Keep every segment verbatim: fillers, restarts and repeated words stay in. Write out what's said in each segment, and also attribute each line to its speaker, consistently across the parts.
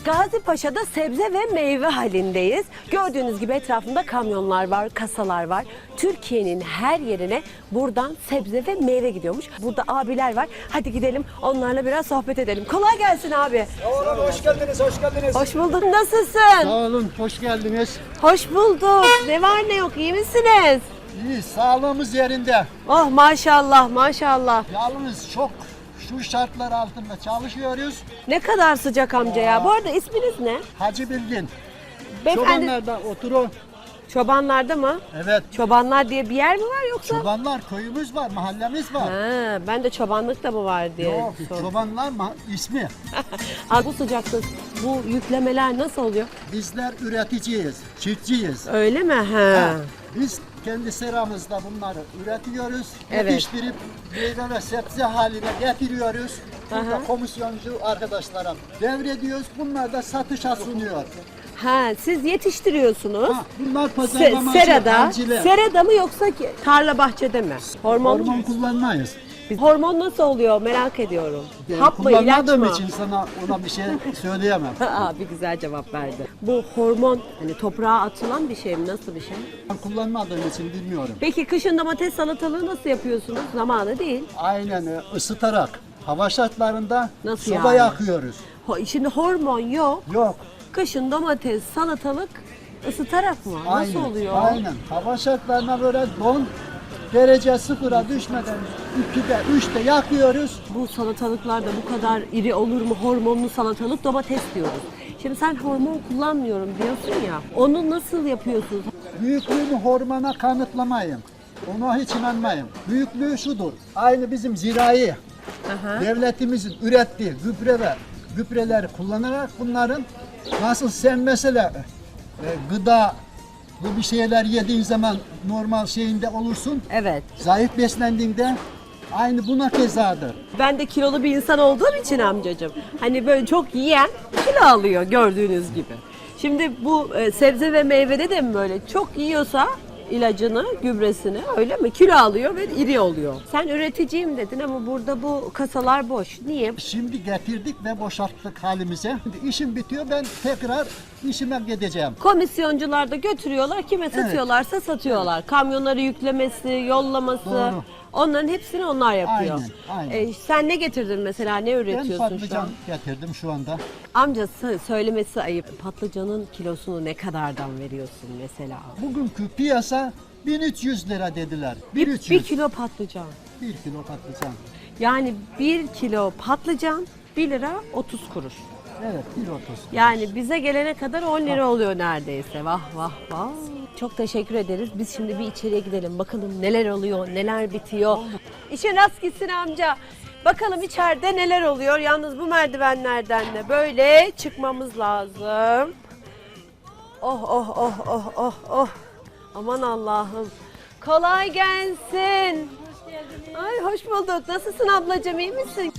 Speaker 1: Gazi Paşa'da sebze ve meyve halindeyiz. Gördüğünüz gibi etrafında kamyonlar var, kasalar var. Türkiye'nin her yerine buradan sebze ve meyve gidiyormuş. Burada abiler var. Hadi gidelim onlarla biraz sohbet edelim. Kolay gelsin abi.
Speaker 2: Sağ olun, hoş geldiniz, hoş geldiniz.
Speaker 1: Hoş bulduk. Nasılsın?
Speaker 2: Sağ olun, hoş geldiniz.
Speaker 1: Hoş bulduk. Ne var ne yok, iyi misiniz?
Speaker 2: İyi, sağlığımız yerinde.
Speaker 1: Oh maşallah maşallah.
Speaker 2: Yalnız çok şu şartlar altında çalışıyoruz.
Speaker 1: Ne kadar sıcak amca ya. Bu arada isminiz ne?
Speaker 2: Hacı Bilgin.
Speaker 1: Beyefendi.
Speaker 2: Çobanlarda oturun.
Speaker 1: Çobanlarda mı?
Speaker 2: Evet.
Speaker 1: Çobanlar diye bir yer mi var yoksa?
Speaker 2: Çobanlar köyümüz var, mahallemiz var.
Speaker 1: Ha, ben de çobanlık da mı var diye.
Speaker 2: Yok,
Speaker 1: sordum.
Speaker 2: çobanlar ma- ismi.
Speaker 1: Abi bu sıcakta bu yüklemeler nasıl oluyor?
Speaker 2: Bizler üreticiyiz, çiftçiyiz.
Speaker 1: Öyle mi? Ha.
Speaker 2: Ha, Biz kendi seramızda bunları üretiyoruz,
Speaker 1: Evet.
Speaker 2: yetiştirip meyve ve sebze haline getiriyoruz. Burada
Speaker 1: Aha.
Speaker 2: komisyoncu arkadaşlara devrediyoruz. Bunlar da satışa sunuyor.
Speaker 1: Ha, siz yetiştiriyorsunuz.
Speaker 2: Ha, bunlar
Speaker 1: Se-
Speaker 2: pazarlama
Speaker 1: serada.
Speaker 2: hanciler.
Speaker 1: Serada mı yoksa ki tarla bahçede mi? Hormon.
Speaker 2: Hormon kullanmayız.
Speaker 1: Biz- Hormon nasıl oluyor merak ediyorum.
Speaker 2: Ben
Speaker 1: Hap mı ilaç
Speaker 2: kullanmadığım
Speaker 1: mı?
Speaker 2: için sana ona bir şey söyleyemem.
Speaker 1: Abi güzel cevap verdi. Bu hormon hani toprağa atılan bir şey mi? Nasıl bir şey?
Speaker 2: Ben kullanmadığım için bilmiyorum.
Speaker 1: Peki kışın domates salatalığı nasıl yapıyorsunuz? Zamanı değil.
Speaker 2: Aynen e, ısıtarak hava şartlarında
Speaker 1: Nasıl
Speaker 2: soba
Speaker 1: yani?
Speaker 2: yakıyoruz.
Speaker 1: Ho- Şimdi hormon yok.
Speaker 2: Yok.
Speaker 1: Kışın domates, salatalık ısıtarak mı? Nasıl
Speaker 2: Aynen,
Speaker 1: oluyor?
Speaker 2: Aynen. Hava şartlarına böyle don derece sıfıra düşmeden ikide, üçte yakıyoruz.
Speaker 1: Bu salatalıklar da bu kadar iri olur mu? Hormonlu salatalık, domates diyoruz. Şimdi sen hormon kullanmıyorum diyorsun ya. Onu nasıl yapıyorsunuz?
Speaker 2: Büyüklüğünü hormona kanıtlamayın. Ona hiç inanmayın. Büyüklüğü şudur. Aynı bizim zirai
Speaker 1: Aha.
Speaker 2: devletimizin ürettiği gübre gübreleri kullanarak bunların nasıl sen mesela e, gıda bu bir şeyler yediğin zaman normal şeyinde olursun.
Speaker 1: Evet.
Speaker 2: Zayıf beslendiğinde aynı buna kezadır.
Speaker 1: Ben de kilolu bir insan olduğum için amcacığım. Hani böyle çok yiyen kilo alıyor gördüğünüz gibi. Şimdi bu e, sebze ve meyvede de mi böyle? Çok yiyorsa ilacını, gübresini öyle mi? Kilo alıyor ve iri oluyor. Sen üreticiyim dedin ama burada bu kasalar boş. Niye?
Speaker 2: Şimdi getirdik ve boşalttık halimize. Şimdi işim bitiyor, ben tekrar işime gideceğim.
Speaker 1: Komisyoncular da götürüyorlar. Kime satıyorlarsa satıyorlar. Kamyonları yüklemesi, yollaması.
Speaker 2: Doğru.
Speaker 1: Onların hepsini onlar yapıyor.
Speaker 2: Aynen, aynen.
Speaker 1: E, sen ne getirdin mesela? Ne
Speaker 2: Ben
Speaker 1: üretiyorsun şu an?
Speaker 2: patlıcan getirdim şu anda.
Speaker 1: Amcası söylemesi ayıp. Patlıcanın kilosunu ne kadardan veriyorsun mesela?
Speaker 2: Bugünkü piyasa bin üç yüz lira dediler.
Speaker 1: Bir,
Speaker 2: bin üç yüz.
Speaker 1: bir kilo patlıcan.
Speaker 2: Bir kilo patlıcan.
Speaker 1: Yani bir kilo patlıcan bir lira otuz kuruş.
Speaker 2: Evet, bir otuz.
Speaker 1: Yani bize gelene kadar on lira oluyor neredeyse. Vah vah vah. Çok teşekkür ederiz. Biz şimdi bir içeriye gidelim. Bakalım neler oluyor, neler bitiyor. İşin rast gitsin amca. Bakalım içeride neler oluyor. Yalnız bu merdivenlerden de böyle çıkmamız lazım. Oh oh oh oh oh oh. Aman Allah'ım. Kolay gelsin. Hoş geldiniz. Ay hoş bulduk. Nasılsın ablacığım, iyi misin?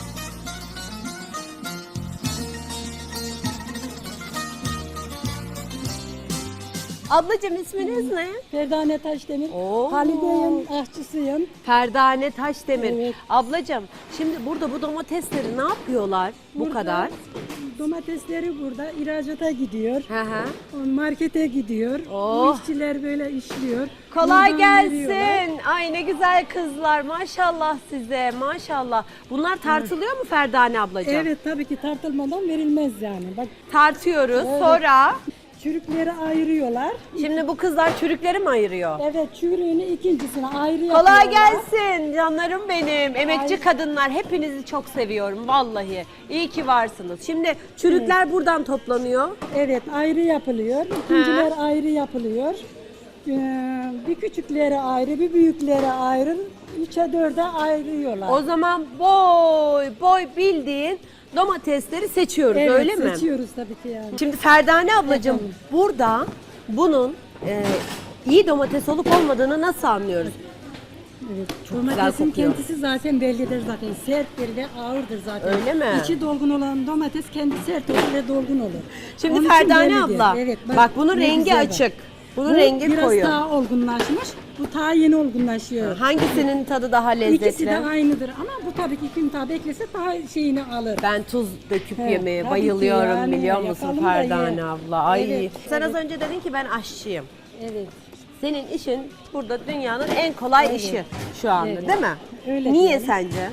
Speaker 1: Ablacığım isminiz ne?
Speaker 3: Ferdane Taşdemir.
Speaker 1: Oo.
Speaker 3: Halide'yim, aşçısıyım.
Speaker 1: Ferdane Taşdemir.
Speaker 3: Evet.
Speaker 1: Ablacığım şimdi burada bu domatesleri ne yapıyorlar bu
Speaker 3: Burada
Speaker 1: kadar?
Speaker 3: Domatesleri burada ihracata gidiyor.
Speaker 1: Hı hı.
Speaker 3: Markete gidiyor.
Speaker 1: Oh.
Speaker 3: Bu işçiler böyle işliyor.
Speaker 1: Kolay
Speaker 3: Buradan veriyorlar.
Speaker 1: gelsin. Ay ne güzel kızlar. Maşallah size. Maşallah. Bunlar tartılıyor mu Ferdane ablacığım?
Speaker 3: Evet, tabii ki tartılmadan verilmez yani. Bak,
Speaker 1: Tartıyoruz.
Speaker 3: Evet.
Speaker 1: Sonra
Speaker 3: çürükleri ayırıyorlar.
Speaker 1: şimdi bu kızlar çürükleri mi ayırıyor?
Speaker 3: Evet, çürüğünü ikincisine ayrı
Speaker 1: Kolay
Speaker 3: yapıyorlar.
Speaker 1: gelsin canlarım benim. Emekçi
Speaker 3: Ay.
Speaker 1: kadınlar, hepinizi çok seviyorum vallahi. İyi ki varsınız. Şimdi çürükler buradan toplanıyor.
Speaker 3: Evet, ayrı yapılıyor. İkinciler ayrı yapılıyor. Ee, bir küçükleri ayrı, bir büyükleri ayrı. Üçe dörde ayırıyorlar.
Speaker 1: O zaman boy boy bildiğin domatesleri seçiyoruz
Speaker 3: evet,
Speaker 1: öyle mi?
Speaker 3: seçiyoruz tabii ki yani.
Speaker 1: Şimdi Ferdane ablacığım
Speaker 3: Efendim?
Speaker 1: burada bunun e, iyi domates olup olmadığını nasıl anlıyoruz?
Speaker 3: Evet,
Speaker 1: Çok güzel
Speaker 3: domatesin
Speaker 1: kokuyor.
Speaker 3: kendisi zaten bellidir zaten. Serttir ve ağırdır zaten.
Speaker 1: Öyle mi?
Speaker 3: İçi dolgun olan domates kendi sert olur ve dolgun olur.
Speaker 1: Şimdi
Speaker 3: Onun için
Speaker 1: Ferdane
Speaker 3: bellidir.
Speaker 1: abla
Speaker 3: Evet,
Speaker 1: bak, bunun
Speaker 3: ne
Speaker 1: rengi
Speaker 3: güzel bak.
Speaker 1: açık. Bunun
Speaker 3: Bu
Speaker 1: rengi
Speaker 3: biraz
Speaker 1: koyu.
Speaker 3: daha olgunlaşmış. Bu ta yeni olgunlaşıyor.
Speaker 1: Hangisinin tadı daha lezzetli?
Speaker 3: İkisi de aynıdır ama bu tabii ki kim daha beklese daha şeyini alır.
Speaker 1: Ben tuz döküp
Speaker 3: Evet,
Speaker 1: yemeye
Speaker 3: tabii ki
Speaker 1: bayılıyorum
Speaker 3: yani,
Speaker 1: biliyor musun
Speaker 3: yapalım da
Speaker 1: Ferdane
Speaker 3: ye.
Speaker 1: abla. Ay.
Speaker 3: Evet,
Speaker 1: Sen
Speaker 3: evet.
Speaker 1: az önce dedin ki ben aşçıyım.
Speaker 3: Evet.
Speaker 1: Senin işin burada dünyanın en kolay işi şu anda
Speaker 3: Evet.
Speaker 1: değil mi?
Speaker 3: Öyle
Speaker 1: Niye
Speaker 3: diyorum.
Speaker 1: sence?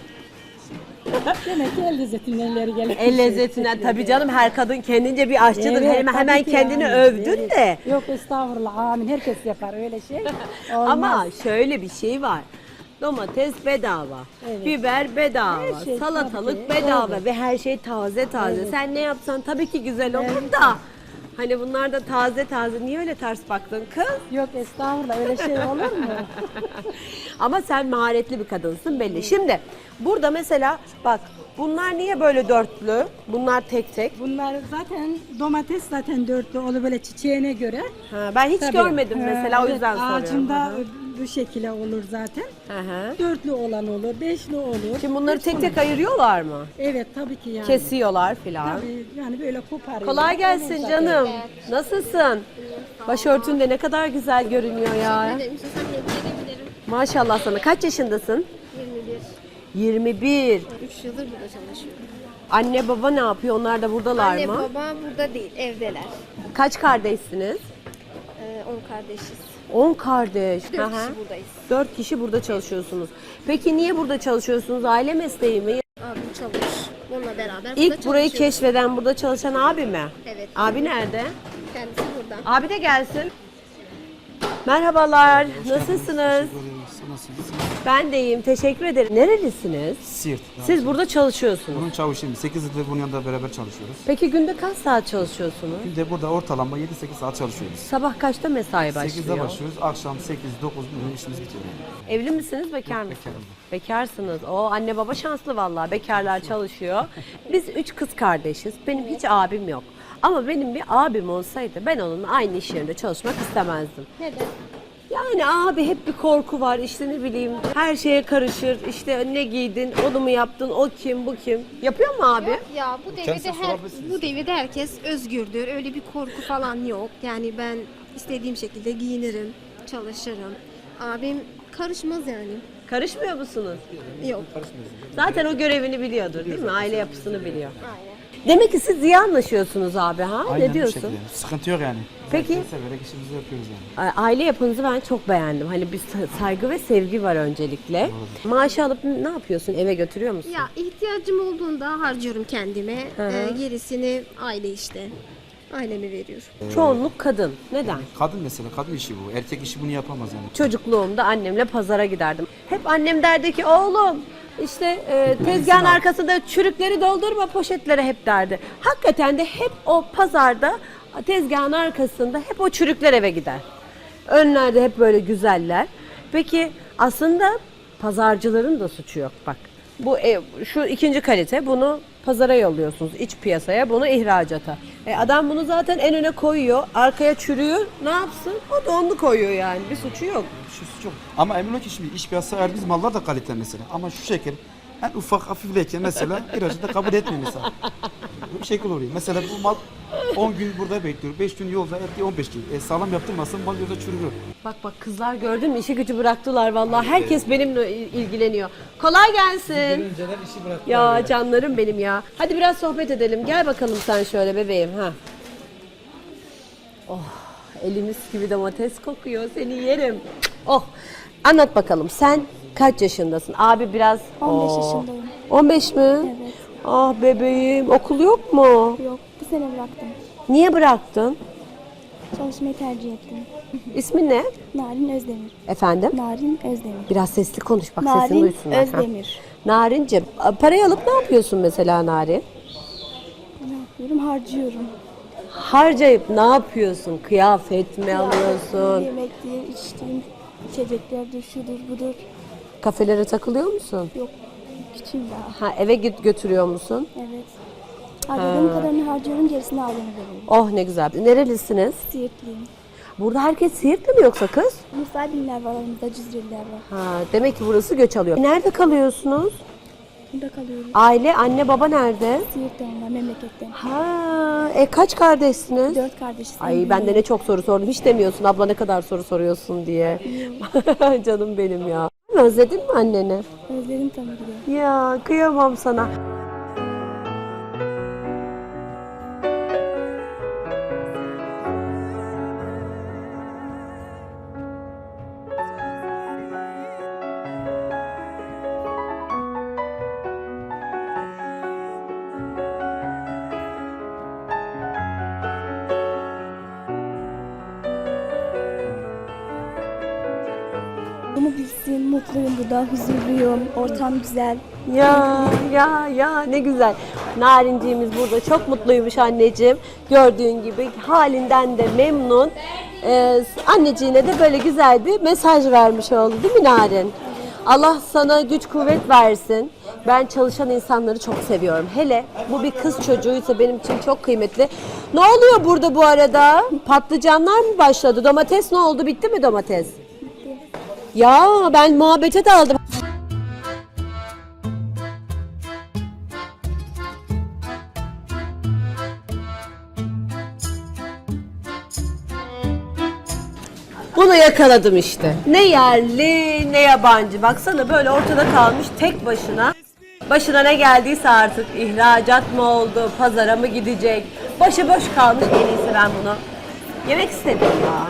Speaker 3: Demek ki el lezzetinden ileri gelen.
Speaker 1: El lezzetinden tabii canım her kadın kendince bir aşçıdır.
Speaker 3: Evet,
Speaker 1: hemen
Speaker 3: tabii
Speaker 1: hemen
Speaker 3: ki
Speaker 1: kendini
Speaker 3: yani.
Speaker 1: övdün
Speaker 3: Evet.
Speaker 1: de.
Speaker 3: Yok estağfurullah amin herkes yapar öyle şey. Olmaz.
Speaker 1: Ama şöyle bir şey var. Domates bedava,
Speaker 3: Evet.
Speaker 1: biber bedava,
Speaker 3: Her şey
Speaker 1: salatalık
Speaker 3: tabii ki,
Speaker 1: bedava
Speaker 3: evet.
Speaker 1: ve her şey taze taze.
Speaker 3: Evet.
Speaker 1: Sen ne yapsan tabii ki güzel olur
Speaker 3: Evet.
Speaker 1: da. Hani bunlar da taze taze. Niye öyle ters baktın kız?
Speaker 3: Yok estağfurullah öyle şey olur mu?
Speaker 1: Ama sen maharetli bir kadınsın belli. Şimdi burada mesela bak bunlar niye böyle dörtlü? Bunlar tek tek.
Speaker 3: Bunlar zaten domates zaten dörtlü olur böyle çiçeğine göre.
Speaker 1: Ha, ben hiç
Speaker 3: Tabii.
Speaker 1: görmedim
Speaker 3: Ha,
Speaker 1: mesela o
Speaker 3: evet,
Speaker 1: yüzden soruyorum.
Speaker 3: Ağacında
Speaker 1: Hı hı.
Speaker 3: bu şekilde olur zaten.
Speaker 1: Hı hı.
Speaker 3: Dörtlü olan olur, beşli olur.
Speaker 1: Şimdi bunları
Speaker 3: Hepsi
Speaker 1: tek tek
Speaker 3: olur.
Speaker 1: ayırıyorlar mı?
Speaker 3: Evet tabii ki yani.
Speaker 1: Kesiyorlar filan.
Speaker 3: Tabii yani böyle koparıyor.
Speaker 1: Kolay gelsin
Speaker 3: Olur
Speaker 1: canım.
Speaker 3: zaten.
Speaker 1: Nasılsın? Başörtün de ne kadar güzel görünüyor ya.
Speaker 4: Ederim. İstiyorsan gelebilirim.
Speaker 1: Maşallah sana. Kaç yaşındasın?
Speaker 4: yirmi bir.
Speaker 1: yirmi bir.
Speaker 4: üç yıldır burada çalışıyorum.
Speaker 1: Anne baba ne yapıyor? Onlar da buradalar
Speaker 4: Anne
Speaker 1: mı?
Speaker 4: baba burada değil, evdeler.
Speaker 1: Kaç kardeşsiniz?
Speaker 4: Ee, on kardeşiz.
Speaker 1: on kardeş.
Speaker 4: Dört
Speaker 1: Hı hı.
Speaker 4: kişi buradayız.
Speaker 1: Dört kişi burada çalışıyorsunuz. Peki niye burada çalışıyorsunuz? Aile mesleği mi?
Speaker 4: Abim çalış. Onunla beraber burada
Speaker 1: İlk burayı
Speaker 4: çalışıyoruz.
Speaker 1: keşfeden, burada çalışan abi mi?
Speaker 4: Evet.
Speaker 1: Abi nerede?
Speaker 4: Kendisi burada.
Speaker 1: Abi de gelsin. Merhabalar. Nasılsınız? Ben de iyiyim. Teşekkür ederim. Nerelisiniz?
Speaker 5: Siirt.
Speaker 1: Siz burada çalışıyorsunuz.
Speaker 5: Bunun çavuşuyum. sekiz yıldır bunun yanında beraber çalışıyoruz.
Speaker 1: Peki günde kaç saat çalışıyorsunuz?
Speaker 5: Bir de burada ortalama yedi sekiz saat çalışıyoruz.
Speaker 1: Sabah kaçta mesai başlıyor?
Speaker 5: sekizde başlıyoruz. Akşam sekiz dokuz gibi işimiz bitiyor. Yani.
Speaker 1: Evli misiniz, bekar mısınız?
Speaker 5: Bekarım.
Speaker 1: Bekarsınız. O anne baba şanslı vallahi. Bekarlar çalışıyor. Biz üç kız kardeşiz. Benim hiç abim yok. Ama benim bir abim olsaydı ben onunla aynı iş yerinde çalışmak istemezdim.
Speaker 4: Neden?
Speaker 1: Yani abi hep bir korku var işte ne bileyim her şeye karışır işte ne giydin onu mu yaptın o kim bu kim yapıyor mu abi?
Speaker 4: Ya bu devirde
Speaker 5: Kendisine
Speaker 4: her
Speaker 5: sorabilirsiniz.
Speaker 4: bu devirde herkes özgürdür. Öyle bir korku falan yok. Yani ben istediğim şekilde giyinirim, çalışırım. Abim karışmaz yani.
Speaker 1: Karışmıyor musunuz?
Speaker 4: Yok.
Speaker 1: Zaten o görevini biliyordur değil mi? Aile yapısını biliyor.
Speaker 4: Aynen.
Speaker 1: Demek ki siz iyi anlaşıyorsunuz abi ha?
Speaker 5: Aynen
Speaker 1: ne
Speaker 5: bu
Speaker 1: diyorsun?
Speaker 5: şekilde. Sıkıntı yok yani.
Speaker 1: Peki.
Speaker 5: Severek işimizi yapıyoruz yani.
Speaker 1: A- Aile yapınızı ben çok beğendim. Hani bir sa- saygı ve sevgi var öncelikle. Maaşı alıp ne yapıyorsun? Eve götürüyor musun?
Speaker 4: Ya ihtiyacım olduğunda harcıyorum kendime. Ee, gerisini aile işte. Aileme veriyorum.
Speaker 1: Çoğunluk kadın. Neden?
Speaker 5: Kadın mesela, kadın işi bu. Erkek işi bunu yapamaz yani.
Speaker 1: Çocukluğumda annemle pazara giderdim. Hep annem derdi ki oğlum işte e, tezgahın arkasında çürükleri doldurma poşetlere hep derdi. Hakikaten de hep o pazarda tezgahın arkasında hep o çürükler eve gider. Önlerde hep böyle güzeller. Peki aslında pazarcıların da suçu yok bak. Bu ev, şu ikinci kalite bunu pazara yolluyorsunuz iç piyasaya bunu ihracata. E adam bunu zaten en öne koyuyor arkaya çürüyor ne yapsın o da onu koyuyor yani bir suçu yok.
Speaker 5: Şu çok. Ama emin ol ki şimdi iş piyasası verdiğimiz mallar da kalite mesela. Ama şu şekil en ufak hafifleyken mesela ihracı da kabul etmiyor mesela. Bu şekil oluyor. Mesela bu mal on gün burada bekliyor. beş gün yolda erkeği on beş gün. E, sağlam yaptırmasın mal yolda çürür.
Speaker 1: Bak bak kızlar gördün mü işi gücü bıraktılar vallahi herkes benimle il- ilgileniyor. Kolay gelsin. Ya canlarım benim ya. Hadi biraz sohbet edelim. Gel bakalım sen şöyle bebeğim ha. Oh elimiz gibi domates kokuyor seni yerim. Oh anlat bakalım sen kaç yaşındasın? Abi biraz
Speaker 6: on beş
Speaker 1: Oo.
Speaker 6: yaşındayım.
Speaker 1: on beş mi?
Speaker 6: Evet.
Speaker 1: Ah bebeğim okul yok mu?
Speaker 6: Yok, bu sene bıraktım.
Speaker 1: Niye bıraktın?
Speaker 6: Çalışmayı tercih ettim.
Speaker 1: İsmin ne?
Speaker 6: Narin Özdemir.
Speaker 1: Efendim?
Speaker 6: Narin Özdemir.
Speaker 1: Biraz sesli konuş bak sesini
Speaker 6: Narin
Speaker 1: duysunlar. Ha.
Speaker 6: Özdemir.
Speaker 1: Narincim, parayı alıp ne yapıyorsun mesela Narin?
Speaker 6: Ne yapıyorum? Harcıyorum.
Speaker 1: Harcayıp ne yapıyorsun? Kıyafet mi alıyorsun?
Speaker 6: Yemektir, içtiğim içeceklerdir, şudur budur.
Speaker 1: Kafelere takılıyor musun?
Speaker 6: Yok, küçüğüm daha.
Speaker 1: Ha eve git götürüyor musun?
Speaker 6: Evet. Harcadığım kadarını harcıyorum, gerisini aileme veriyorum.
Speaker 1: Oh ne güzel. Nerelisiniz?
Speaker 6: Siirtliyim.
Speaker 1: Burada herkes Siirtli mi yoksa kız?
Speaker 6: Musaybinler var aramızda, Cizreliler var.
Speaker 1: Ha, demek ki burası göç alıyor. Nerede kalıyorsunuz?
Speaker 6: Burada kalıyoruz.
Speaker 1: Aile, anne baba nerede?
Speaker 6: Siirt'te onlar memlekette.
Speaker 1: Ha, e kaç kardeşsiniz?
Speaker 6: Dört kardeşiz.
Speaker 1: Ay ben de ne çok soru sordum. Hiç demiyorsun abla ne kadar soru soruyorsun diye. Canım benim ya. Özledin mi anneni?
Speaker 6: Özledim tabii ki de.
Speaker 1: Ya kıyamam sana.
Speaker 6: Bunu bilsin, mutluyum burada, huzurluyum, ortam güzel.
Speaker 1: Ya ya ya ne güzel. Narinciğimiz burada çok mutluymuş anneciğim. Gördüğün gibi halinden de memnun. Ee, anneciğine de böyle güzel bir mesaj vermiş oldu değil mi Narin? Allah sana güç kuvvet versin. Ben çalışan insanları çok seviyorum. Hele bu bir kız çocuğuysa benim için çok kıymetli. Ne oluyor burada bu arada? Patlıcanlar mı başladı? Domates ne oldu? Bitti mi domates? Ya ben muhabbete daldım. Bunu yakaladım işte. Ne yerli ne yabancı. Baksana böyle ortada kalmış tek başına. Başına ne geldiyse artık ihracat mı oldu, pazara mı gidecek? Başıboş kalmış, en iyisi ben bunu yemek istedim ya.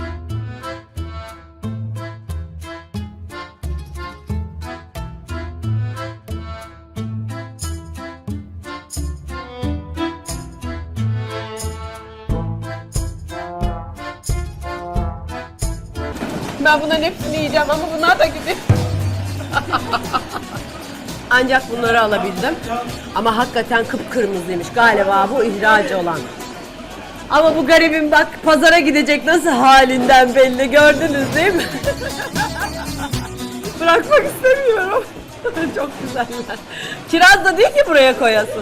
Speaker 1: Ben bunların hepsini yiyeceğim ama bunlar da gidiyor. Ancak bunları alabildim. Ama hakikaten kıpkırmızıymış. Galiba bu ihracı olan. Ama bu garibim bak pazara gidecek nasıl halinden belli. Gördünüz değil mi? Bırakmak istemiyorum. Çok güzeller. Kiraz da değil ki buraya koyasın.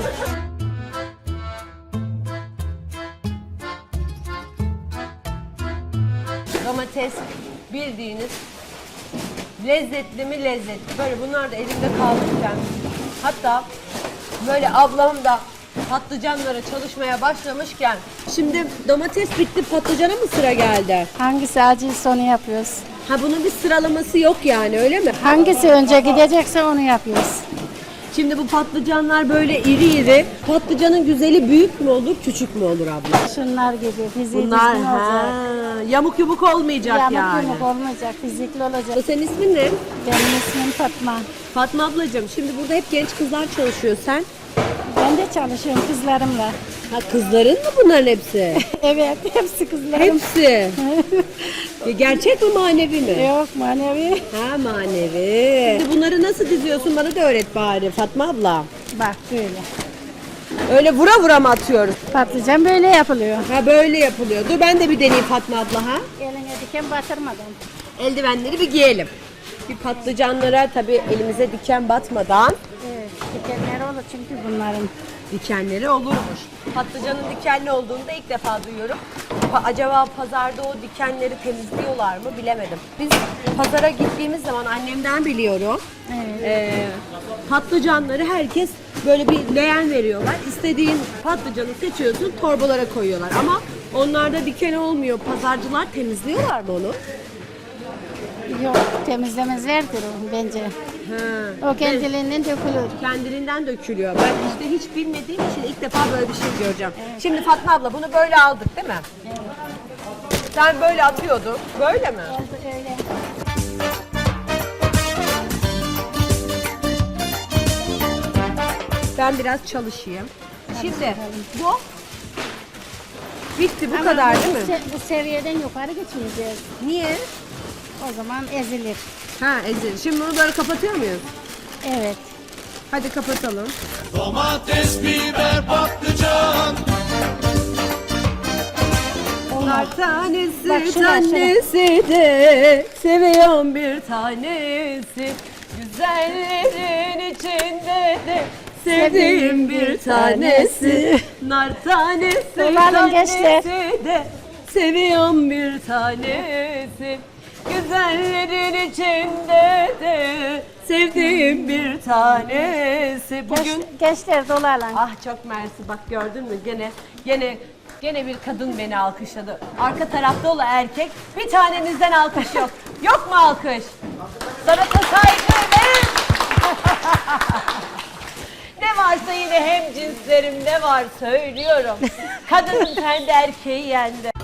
Speaker 1: Domates bildiğiniz lezzetli mi lezzetli. Böyle bunlar da elimde kalmışken hatta böyle ablam da patlıcanlara çalışmaya başlamışken şimdi domates bitti patlıcana mı sıra geldi?
Speaker 7: Hangisi acıysa onu yapıyoruz.
Speaker 1: Ha bunun bir sıralaması yok yani öyle mi?
Speaker 7: Hangisi önce gidecekse onu yapıyoruz.
Speaker 1: Şimdi bu patlıcanlar böyle iri iri. Patlıcanın güzeli büyük mü olur küçük mü olur abla?
Speaker 7: Şunlar gibi fiziği
Speaker 1: Bunlar
Speaker 7: düzgün
Speaker 1: ha,
Speaker 7: olacak.
Speaker 1: yamuk yumuk olmayacak
Speaker 7: Yamuk
Speaker 1: yani.
Speaker 7: yumuk olmayacak, fizikli olacak.
Speaker 1: Senin ismin ne?
Speaker 7: Benim ismim Fatma.
Speaker 1: Fatma ablacığım şimdi burada hep genç kızlar çalışıyor sen.
Speaker 7: Ben de çalışıyorum kızlarımla.
Speaker 1: Ha kızların mı bunların hepsi?
Speaker 7: Evet, hepsi kızlarım.
Speaker 1: Hepsi. Ya gerçek mi manevi mi?
Speaker 7: Yok manevi.
Speaker 1: Ha manevi. Şimdi bunları nasıl diziyorsun bana da öğret bari Fatma abla.
Speaker 7: Bak böyle.
Speaker 1: Öyle vura vura mı atıyoruz?
Speaker 7: Patlıcan böyle yapılıyor.
Speaker 1: Ha böyle yapılıyor. Dur ben de bir deneyeyim Fatma abla ha.
Speaker 7: Eline diken batırmadan.
Speaker 1: Eldivenleri bir giyelim. Bir patlıcanlara tabii elimize diken batmadan
Speaker 7: Evet, dikenleri olur çünkü bunların.
Speaker 1: dikenleri olurmuş. Patlıcanın dikenli olduğunu da ilk defa duyuyorum. Pa- acaba pazarda o dikenleri temizliyorlar mı bilemedim. Biz pazara gittiğimiz zaman annemden biliyorum.
Speaker 7: Evet.
Speaker 1: Ee, patlıcanları herkes böyle bir leğen veriyorlar. İstediğin patlıcanı seçiyorsun, torbalara koyuyorlar. Ama onlarda diken olmuyor. Pazarcılar temizliyorlar mı onu?
Speaker 7: Yok, temizlemezlerdir o bence.
Speaker 1: Ha.
Speaker 7: O kendiliğinden dökülür.
Speaker 1: Kendiliğinden dökülüyor. Ben işte hiç bilmediğim için ilk defa böyle bir şey göreceğim. Şimdi Fatma abla bunu böyle aldık değil mi?
Speaker 7: Evet.
Speaker 1: Sen böyle atıyordun. Böyle mi?
Speaker 7: Oldu öyle.
Speaker 1: Ben biraz çalışayım. Şimdi bu bitti bu
Speaker 7: Ama
Speaker 1: kadar
Speaker 7: bu
Speaker 1: değil mi?
Speaker 7: se- bu seviyeden yukarı gitmeyeceğiz.
Speaker 1: Niye?
Speaker 7: O zaman ezilir.
Speaker 1: Ha ezil. Şimdi bunu böyle kapatıyor muyuz?
Speaker 7: Evet.
Speaker 1: Hadi kapatalım.
Speaker 8: Domates, biber, patlıcan.
Speaker 1: Nar tanesi
Speaker 7: Bak şuna,
Speaker 1: tanesi de seviyorum bir tanesi. Güzellerin içinde de sevdiğim bir tanesi. Nar tanesi
Speaker 7: Dolanın gençler.
Speaker 1: tanesi de seviyorum bir tanesi. Güzellerin içinde de sevdiğim bir tanesi. Bugün
Speaker 7: Genç- gençler dolarla.
Speaker 1: ah çok mersi, bak gördün mü gene gene gene bir kadın beni alkışladı. Arka tarafta olan erkek, bir tanenizden alkış yok. Yok mu alkış? Sanata saygı verin. Ne varsa yine hem cinslerim ne var söylüyorum. Kadının kendi erkeği yendi.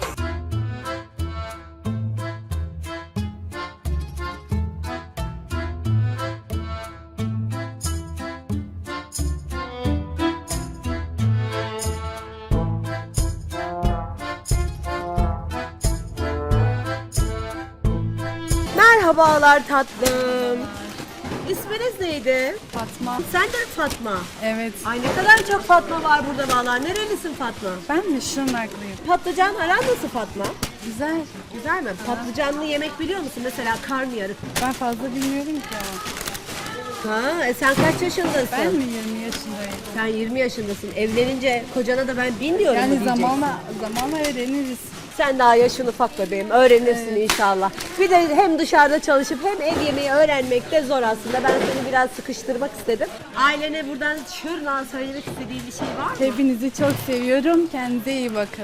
Speaker 1: Merhabalar tatlım. İsminiz neydi?
Speaker 9: Fatma.
Speaker 1: Sen de mi Fatma?
Speaker 9: Evet.
Speaker 1: Ay ne kadar çok Fatma var burada vallahi. Nerelisin Fatma?
Speaker 9: Ben mi Şırnaklıyım?
Speaker 1: Patlıcan aran nasıl Fatma?
Speaker 9: Güzel.
Speaker 1: Güzel mi? Patlıcanlı yemek biliyor musun? Mesela karnıyarık.
Speaker 9: Ben fazla bilmiyorum ki ama.
Speaker 1: Ha, e sen kaç yaşındasın?
Speaker 9: Ben mi yirmi yaşındayım?
Speaker 1: Sen yirmi yaşındasın. Evlenince kocana da ben bin diyorum mu
Speaker 9: Yani
Speaker 1: diyeceksin?
Speaker 9: zamanla zamanla öğreniriz.
Speaker 1: Sen daha yaşın ufak bebeğim. Öğrenirsin inşallah. Bir de hem dışarıda çalışıp hem ev yemeği öğrenmek de zor aslında. Ben seni biraz sıkıştırmak istedim. Ailene buradan şuradan söylemek istediğin bir şey var mı?
Speaker 9: Hepinizi çok seviyorum. Kendinize iyi bakın.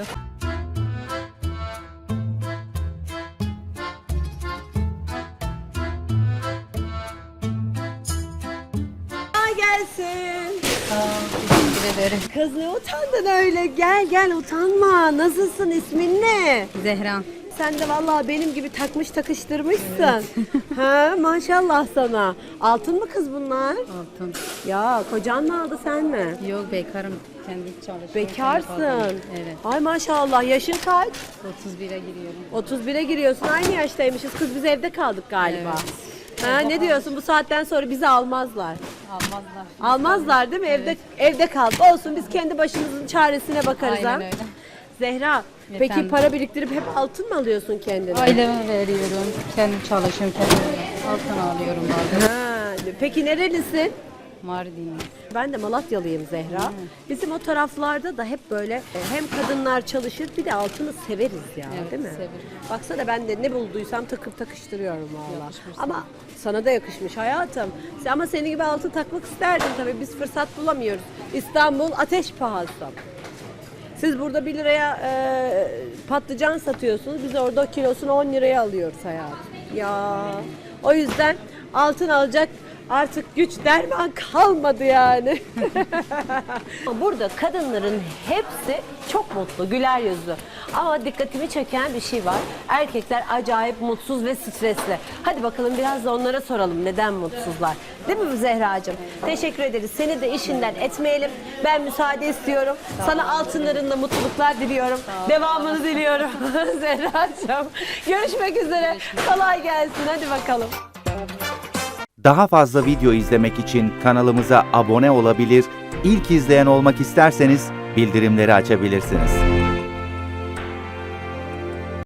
Speaker 1: Kolay gelsin.
Speaker 9: Teşekkür ederim.
Speaker 1: Kız ne utandın öyle? Gel gel utanma. Nasılsın? İsmin ne?
Speaker 9: Zehra.
Speaker 1: Sen de vallahi benim gibi takmış takıştırmışsın. Ha maşallah sana. Altın mı kız bunlar?
Speaker 9: Altın.
Speaker 1: Ya kocan mı aldı sen mi?
Speaker 9: Yok bekarım. Kendi çalışıyorum.
Speaker 1: Bekarsın.
Speaker 9: Evet.
Speaker 1: Ay maşallah. Yaşın kaç?
Speaker 9: otuz bire giriyorum.
Speaker 1: otuz bire giriyorsun. Aynı yaştaymışız. Kız biz evde kaldık galiba. Ha, ne diyorsun? Bu saatten sonra bizi almazlar.
Speaker 9: Almazlar.
Speaker 1: Almazlar değil mi? Evde evde kaldık. Olsun biz kendi başımızın çaresine bakarız ha.
Speaker 9: Aynen öyle.
Speaker 1: Zehra, peki
Speaker 9: Efendim?
Speaker 1: para biriktirip hep altın mı alıyorsun kendine?
Speaker 9: Aileme veriyorum. Kendim çalışıyorum. Kendim altın alıyorum bazen.
Speaker 1: Ha, peki nerelisin?
Speaker 9: Mardin.
Speaker 1: Ben de Malatyalıyım Zehra. Bizim o taraflarda da hep böyle e, hem kadınlar çalışır bir de altını severiz ya,
Speaker 9: Evet,
Speaker 1: değil mi?
Speaker 9: severiz.
Speaker 1: Baksana ben de ne bulduysam takıp takıştırıyorum valla. Ama sana da yakışmış hayatım. Sen- Ama senin gibi altın takmak isterdim tabii. Biz fırsat bulamıyoruz. İstanbul ateş pahası. Siz burada bir liraya e, patlıcan satıyorsunuz. Biz orada kilosunu on liraya alıyoruz hayatım. Ya o yüzden altın alacak artık güç derman kalmadı yani. Burada kadınların hepsi çok mutlu, güler yüzlü. Ama dikkatimi çeken bir şey var. Erkekler acayip mutsuz ve stresli. Hadi bakalım biraz da onlara soralım neden mutsuzlar. Değil mi Zehracığım? Teşekkür ederiz. Seni de işinden etmeyelim. Ben müsaade istiyorum. Sana altınlarınla mutluluklar diliyorum. Devamını diliyorum Zehracığım. Görüşmek üzere. Kolay gelsin. Hadi bakalım.
Speaker 10: Daha fazla video izlemek için kanalımıza abone olabilir, ilk izleyen olmak isterseniz bildirimleri açabilirsiniz.